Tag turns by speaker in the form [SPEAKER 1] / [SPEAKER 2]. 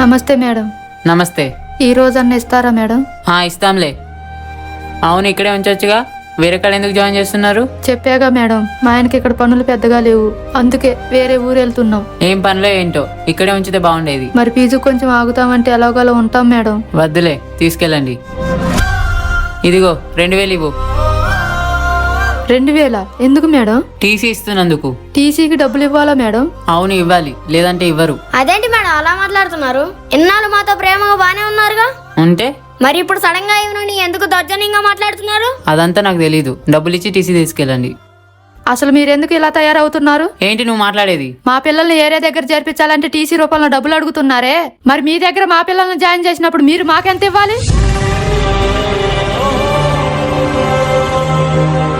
[SPEAKER 1] నమస్తే మేడం.
[SPEAKER 2] నమస్తే.
[SPEAKER 1] ఈ రోజన్నా ఇస్తారా మేడం?
[SPEAKER 2] ఇస్తాంలే. అవును, ఇక్కడే ఉంచొచ్చుగా, వేరే కాడ ఎందుకు జాయిన్ చేస్తున్నారు?
[SPEAKER 1] చెప్పాగా మేడం, మా ఆయనకి ఇక్కడ పనులు పెద్దగా లేవు, అందుకే వేరే ఊరు వెళ్తున్నాం.
[SPEAKER 2] ఏం పనిలో ఏంటో, ఇక్కడే ఉంచితే బాగుండేది.
[SPEAKER 1] మరి ఫీజు కొంచెం ఆగుతామంటే ఎలాగోలా ఉంటాం మేడం.
[SPEAKER 2] వద్దులే, తీసుకెళ్ళండి. ఇదిగో 2000 ఇవ్వు.
[SPEAKER 1] 2000? ఎందుకు మేడం?
[SPEAKER 2] టీసీ ఇస్తున్నందుకు.
[SPEAKER 1] టీసీకి డబ్బులు ఇవ్వాలా మేడం?
[SPEAKER 2] అవును, ఇవ్వాలి, లేదంటే ఇవ్వరు.
[SPEAKER 3] అదేంటి మేడం అలా మాట్లాడుతున్నారు? ఇన్నాళ్ళు మాతో ప్రేమగా బానే ఉన్నారుగా.
[SPEAKER 2] ఉంటే
[SPEAKER 3] మరి ఇప్పుడు సడన్ గా ఇవ్వనని ఎందుకు దౌర్జన్యంగా మాట్లాడుతున్నారు?
[SPEAKER 2] అదంతా నాకు తెలీదు. డబ్బులు ఇచ్చి టీసీ తీసుకెళ్ళండి.
[SPEAKER 1] అసలు మీరెందుకు ఇలా తయారవుతున్నారు?
[SPEAKER 2] ఏంటి నువ్వు మాట్లాడేది?
[SPEAKER 1] మా పిల్లల్ని ఏరే దగ్గర చేర్పించాలంటే టీసీ రూపంలో డబ్బులు అడుగుతున్నారే, మరి మీ దగ్గర మా పిల్లల్ని జాయిన్ చేసినప్పుడు మీరు మాకెంత ఇవ్వాలి?